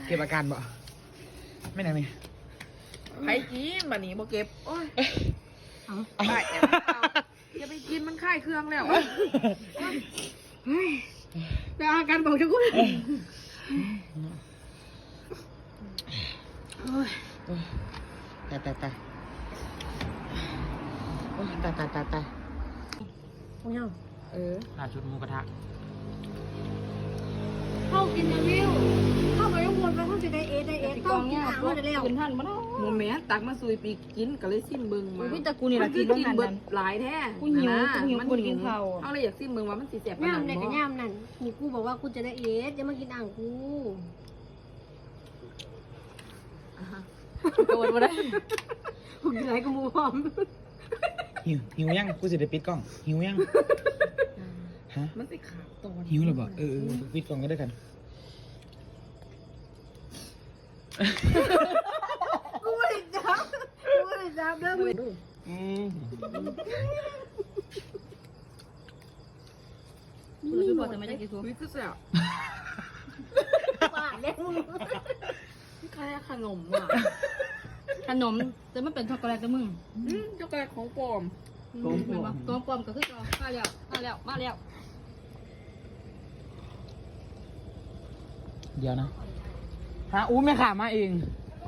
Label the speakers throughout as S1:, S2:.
S1: เก็บอาการบ่ไม่ไหนนี่
S2: ไผกินบัดนี้บ่เก็บโอ้ยได้อย่าไปกินมันคลายเครื่องแล้วแต่อาการบอกจะกู
S1: ตายตายโอ้ยตาย
S3: พวกเรา
S1: ล่าชุดหมูกระทะ
S3: เข้ากินนะวิวเข้าไปทุกคนไปเข้าจะได้เอสเข้ากินอาหารได้แล้ว
S4: กินท่านบ่เนาะ
S2: โมแม่ตักมาซุยปีกินก็เลยซิมเบิ่งมา
S4: พี่ตะกูนี่ล่ะกิน
S2: มั
S4: ต้อง
S2: กิน
S4: หัน
S2: เบิ
S4: นั่
S2: ด
S4: น
S2: หลายแท้
S4: กูหิวกูกินข้าว
S2: เอาเลยอยากซิมเบิ่งว่ามันสิแซ่บปาน
S3: ย่าม
S2: ใด
S3: ในกับ
S2: บ่
S3: ย่ามนั่นนี่กูบอกว่ากูจะได้เอสอย่ามากินอ่างกู
S4: โดนบ่ได้
S3: กูกินอะไรกูมูพร้อม
S1: หิวยังกูสิได้ปิดกล้องหิวยังฮะ
S2: มันสิขาดตอน
S1: หิวหรือเปล่าปิดกล้องก็ได้กัน
S3: กูไม่ได้จับเด้อมึง
S4: คือพอจะไม่ได้กินซู
S2: วิคือแซ่บ
S3: ปากเล็กมึง
S2: คล้ายขนมอ่ะ
S4: ขนมแต่มันเป็นช็อกโกแลตแต่มึง
S2: ช็อกโกแลตของปลอม
S4: ตัวปลอมก็คือมาแล้ว
S1: เดี๋ยวนะฮะอู้แม่ขามาเอง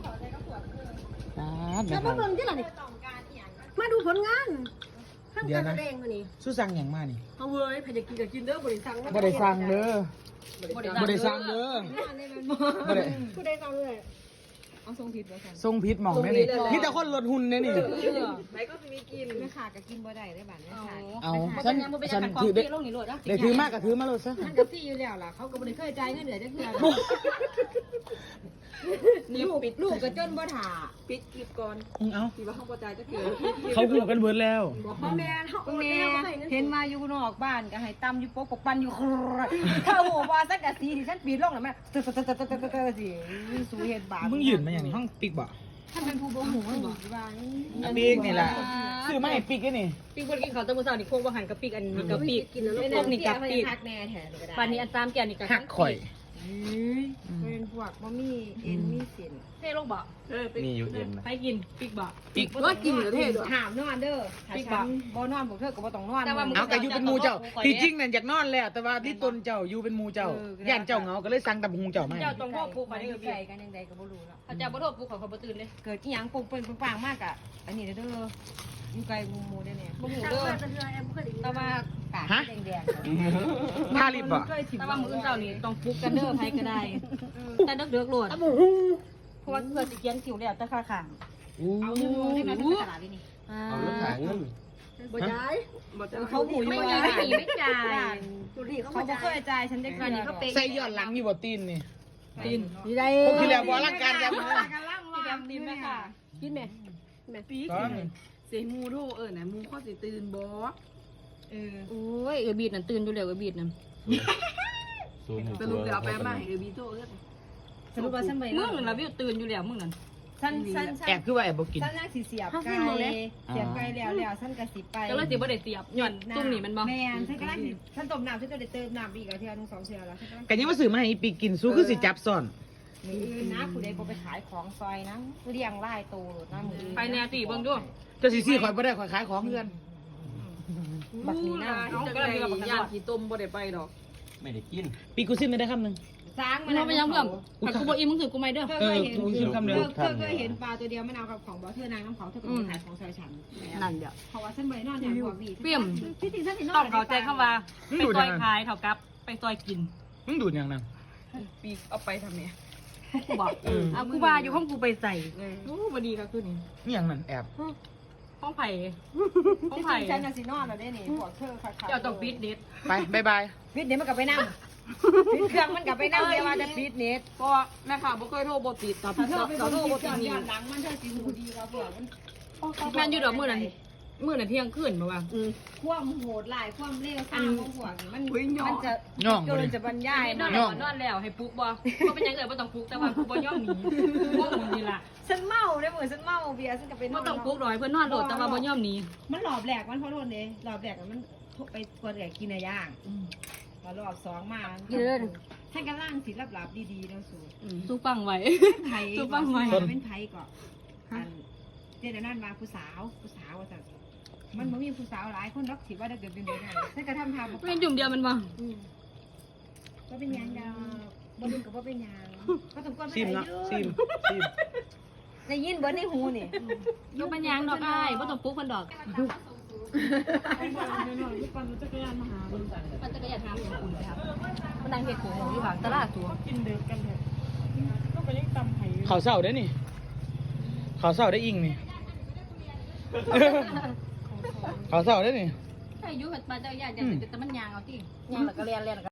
S1: แม่
S3: แล้ว
S1: ขา
S3: มาเบิ่งที่ไหนนี่มาดูผลงานทำการแสดงมานี่
S1: สู้สั่งอย่างมานี่
S3: เอาเว้ยใครจะกินก็กินเด้อบริษัท
S1: บ่ได้สั่งเด้อบ่ได้สั่งเด้อบ่ได้
S3: กูได้สั่งเลย
S4: เอาทรงผิดบ่ซั่น
S1: ทรงพิษหม่องแน่นี่มีแต่คนลดหุ่นแน่นี่
S2: ไหนก็จะมีกิน
S3: ไม่ขาดก็กินบ่ได้ได้บัดนี้ขาด
S1: เอา
S4: ฉั
S1: ฉั
S4: น
S1: น
S4: ถื
S1: ถื
S4: อ
S1: อ
S4: ได้
S1: ได้
S4: ลงนี่โลดนะ
S1: ได้ถือมากก็ถือมาเลยซะ
S3: ท่านก็ซี่อยู่แล้วล่ะเขาก็บ่ได้เคยจ่ายเงินเดือนจักเทื่อ ลูกก็จนบ่ถ่า
S2: ปิดคลิปก่อน
S1: เอา
S2: ที่ว่าห้องประจายจะเกิด
S1: เขาหูกันเบิดแล้ว
S3: พ่อแม่เขา
S4: แม่เห็นมาอยู่นอกบ้านก็ให้ตำอยู่ปกปันอยู่ถ้าโหว่าสักกะสีที่ฉันปีนลงน่ะแม่สิสูเฮ็ดบาป
S1: มึงยืนมาอย่างนี้ห้องปิกบ่
S4: ท่านเป็นผู้บ่หูมันบ่
S3: ว่า
S1: ปิกนี่แหละซื้อมาให้ปิกนี่
S4: ปีกบ่กินข้าวตะมื้อเช้านี่โคกบ่หันกับปีกอันนี้กับปีก
S3: กินแล้ว
S4: พวกนี้กับปีก
S3: พักแน่แถมก็ได้
S4: ปานนี้อันตามแก่นี่ก็
S1: หักข่อย
S3: เป็นพวกบ่มีเอ็นมีเส้น
S4: เท่ลงบ่
S1: มีอยู่เอ็น
S4: ไปกินปีกบ่
S1: ปิก
S2: ว่ากินเหรือเท่ด้วย
S3: ถามนอนเด้อ
S4: ปีกบ่บ่นอนพวกเธอก็บ่ต้องนอน
S1: เอาแต่อยู่เป็นหมูเจ้าที่จริงนั่นอยากนอนแล้วแต่ว่าที่ตนเจ้าอยู่เป็นหมูเจ้าย่านเจ้าเหงาก็เลยสั่งตับหุงเจ้ามา
S4: เจ้าต้องพ่อปลูก
S3: ไป
S4: มาได้
S3: ได้
S4: ก็
S3: ใส่
S4: ใส่
S3: กันยังไงก็บ่รู้เนาะ
S4: ถ้าเจ้าบ่โทษปลูกเขาบ่ตื่นเลย
S3: เกิดอีหยังปุ้งเปิ้นปังมากอ่ะอันนี้เด้ออยู่ไกลหมู่ได้เนี่ย
S4: บ่หู
S3: ตั้ง
S4: เด้อ
S3: มาจะเทื่อแอมเคยได้ยินแต่ว่ากากแดง
S1: ท่าลิบบ่
S4: แต่ว่ามื้ออื่นเช้านี่ต้องปลูกกันเด้อไผก็ได้แต่เด็กๆโลดเพราะว่าเพื่อสิเขียนคิวแล้วแต่ค่าข้างเอาเงินลงได้ไหมเป็นตลาดนี่
S5: เอารถขายเงิน
S3: บ่จ่าย
S4: เขาหูไม่มีไม่จ่าย
S3: ดูดิเขา
S4: เขา
S3: บ่
S4: บ่
S3: จ่า
S4: เค
S3: ย
S4: ยจ่ายฉันได้กันนี่เขาเป๊ะ
S1: ใส่ย้อนหลังอยู่บ่ตีนนี่
S4: ตีน
S3: นี่ได้
S1: ผมที่แล้วบ่ร่างการกันมา
S4: กันล่างว่าตีนแม่ค่ะ
S3: กินแม่
S2: ปีกเสียมูโทไหนมูข้อสิตื่นบ่
S4: โอ้ยบีดนั่นตื่นอยู่แล้วบีดนั่น
S5: ศูนย์หก
S2: สรุปเดี๋ยวเอาไปมาให้บีโตเอ้ย
S4: สรุปว่าฉันไปมึงนั่นล่ะวิวตื่นอยู่แล้วมึงนั่นฉัน
S1: แอบคือว่าแอบบ่กิน
S4: ฉันยังสิเสียบไก่เสียบไก่แล้วฉันก็สิไปก็เลยสิบ่ได้เสียบหย่อนตุ้มนี่มันบ่แม่นฉันก็ได้ฉันต้มน้ำฉันจะได้เติมน้ำอีกอ่ะเทื่อนึง2เทื่อแล้วฉันก็
S1: กันยังมาซื้อมาให้อีปิกกินสู้คือสิจับซ่อน
S4: มืออื่นนะผู้ใดบ่ไปขายของซอยนะเลี้ยงไล่โตโลดนะมือไปแน่สิเบิ่งดู
S1: เจ้าสิซื้อข่อยบ่ได้ข่อยขายของเพื่อน
S4: บักนี้นะ
S2: เอาก็เลยยาขี้ต้มบ่ได้ไปดอก
S5: ไม่ได้กิน
S1: ปีกูซิมได้คำนึง
S4: สร้างมันไปยังเพิ่มถ้ากูบ่อิ่มมึงถือกูไม่เด้อ
S1: กูซิมคำนึง
S3: เธอเคยเห็นปลาตัวเดียวมะนาวกับของบ่เธอนางน้ำเขาเธอก็ไปขายของซอยฉัน
S4: นั่นเดี๋ยว
S3: เพราะว่าฉันบ่ได้นอนอย่างพวกพี่
S4: เปี่ยม
S3: ที่จริงฉันสินอน
S4: ต้องเข้าใจคำว่าไปซอยขายเท่ากับไปซอยกิน
S1: มึงดูดอย่างนั้น
S2: ปีกเอาไปทำไง
S4: กูบอกเอากูว่าอยู่ห้องกูไปใส่โอ้บ่ดีก็คือนี่
S1: นี่อย่างนั้นแอบ
S4: ห้องไผ่ห้อง
S3: ที่จ
S4: ไผ่
S3: ริงฉันน่ะสินอนแล้วได้นี่พวกเธอขาย
S4: เจ้าต้องปิดเน็ต
S1: ไปบ๊ายบาย
S3: ปิดเน็ตมันกลับไปนั่งปิดเครื่องมันกลับไปนั่งเดี๋ยวว่าจะปิดเน็ต
S2: ก็แม่ค่ะบ่เคยโทรบ่ติดต่อ
S3: ถ้าเธอไป
S2: ต่อโทร
S3: ปิ
S2: บ่
S3: ด
S2: ติ
S3: ก่
S2: ด
S3: อน
S2: นี่
S3: ย้อนหลังมันเธอสิหูดีกว่าพวกมัน
S4: แม่นอยู่ดอกมื้อนั้นเที่ยงคืนบ่ว่า
S3: ความโหดหลายความเลวซ่าของพวกนี่มันจะ
S1: ย่อง
S3: เกิ
S1: บ่
S3: น
S1: ดิ
S3: จะบรรยาย
S4: นอนแล้วนอนแล้วให้ปลุกบ่บ่เป็นหยังเอ่ยบ่ต้องปลุกแต่ว่ากูบ่ยอมหนีพวกมึงนี่ล่ะ
S3: ฉันเมาได้เหมือนฉันเมาเบียร์ฉันก็ไปน
S4: บ่
S3: อน
S4: ต้องปลุกหน่อยเพิ่นนอนโลดแต่ว่าบ่ยอมหนี
S3: มันหลอบแหลกมันเพราะโทษเลยหลอบแหลกมันไปกวนแหลกกินอะไรย่าง
S2: ก็รอบสองมา
S4: เดิน
S2: ท่านกำลังสิหลับๆดีๆแล้วสู
S4: สู้ฟังไว้
S2: ไผ
S4: สู้ฟังไว้
S2: เป็นไผก่อนอันเดี๋ยวนั่นมาผู้สาวว่าแต่มันบ่มีผู้สาวหลายคนรักสิว่าถ้าเกิดเป็นแบบนั้นท่านก็ทำทางบอก
S4: เป็นจุ่มเดียวมันบ่
S2: ว่าเป็นหยังดาวบ่ดึงกับว่าเป็นหยังก็ต้องก้นไป
S1: ซิม
S2: ไหน
S1: เนาะ
S2: ยื
S1: ซิม
S2: น
S1: ซิม
S2: ได้ยินเบิร์ดในหูนี่
S4: ยกเป็นยางดอกอ้ายบ่ต้องปลุกเพิ่นดอก
S3: มันจักรยานมาหา
S4: มันจะก็อยากทำอย่างคุณครับมันดังเฮ็ดหูหมูอยู่ข้างตลาดตัว
S3: กินเด็กกันเถอะก็ไปยังตำไผ่
S1: เขาเศร้าได้นี่เขาเศร้าได้อิงนี่ เขาเศร้าได้นี่
S4: ถ้าอายุเฮ็ดมาจักรยานจะแต่มันยางเอาติยางแล้วก็เรียน